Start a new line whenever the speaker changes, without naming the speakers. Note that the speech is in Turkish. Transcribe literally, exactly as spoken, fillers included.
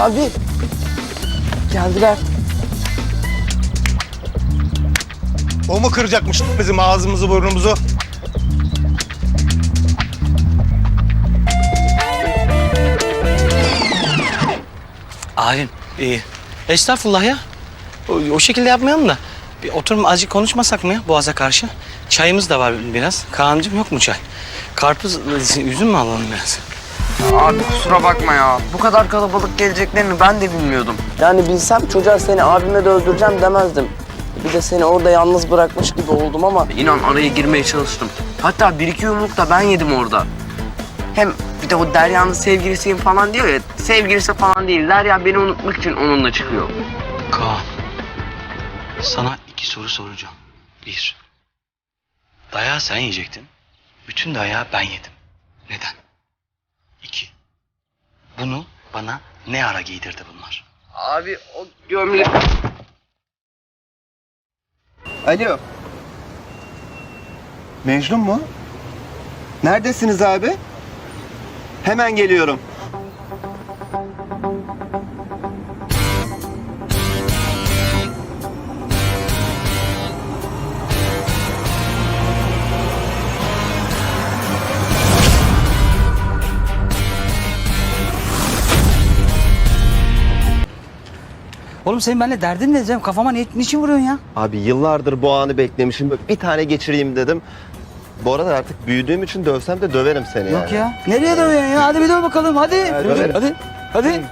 Abi. Geldiler.
O mu kıracakmış bizim ağzımızı burnumuzu?
Abim, iyi. Estağfurullah ya. O, o şekilde yapmayalım da. Bir oturum azıcık konuşmasak mı ya Boğaz'a karşı? Çayımız da var biraz. Kaan'cığım yok mu çay? Karpuz, üzüm mü alalım biraz?
Abi kusura bakma ya. Bu kadar kalabalık geleceklerini ben de bilmiyordum. Yani bilsem çocuğa seni abime de öldüreceğim demezdim. Bir de seni orada yalnız bırakmış gibi oldum ama... İnan araya girmeye çalıştım. Hatta bir iki yumruk da ben yedim orada. Hem bir de o Derya'nın sevgilisiyim falan diyor ya. Sevgilisi falan değil. Derya beni unutmak için onunla çıkıyor.
Kaan, sana iki soru soracağım. Bir, dayağı sen yiyecektin. Bütün dayağı ben yedim. Neden? İki, bunu bana ne ara giydirdi bunlar?
Abi o gömlek...
Alo. Mecnun mu? Neredesiniz abi? Hemen geliyorum.
Oğlum senin benimle derdin ne Cem? Kafama ni niçin vuruyorsun ya?
Abi yıllardır bu anı beklemişim. Böyle bir tane geçireyim dedim. Bu arada artık büyüdüğüm için dövsem de döverim seni yani.
Yok ya. Nereye dövüyorsun ya? Hadi bir döv bakalım hadi.
döverim.
Hadi. Hadi.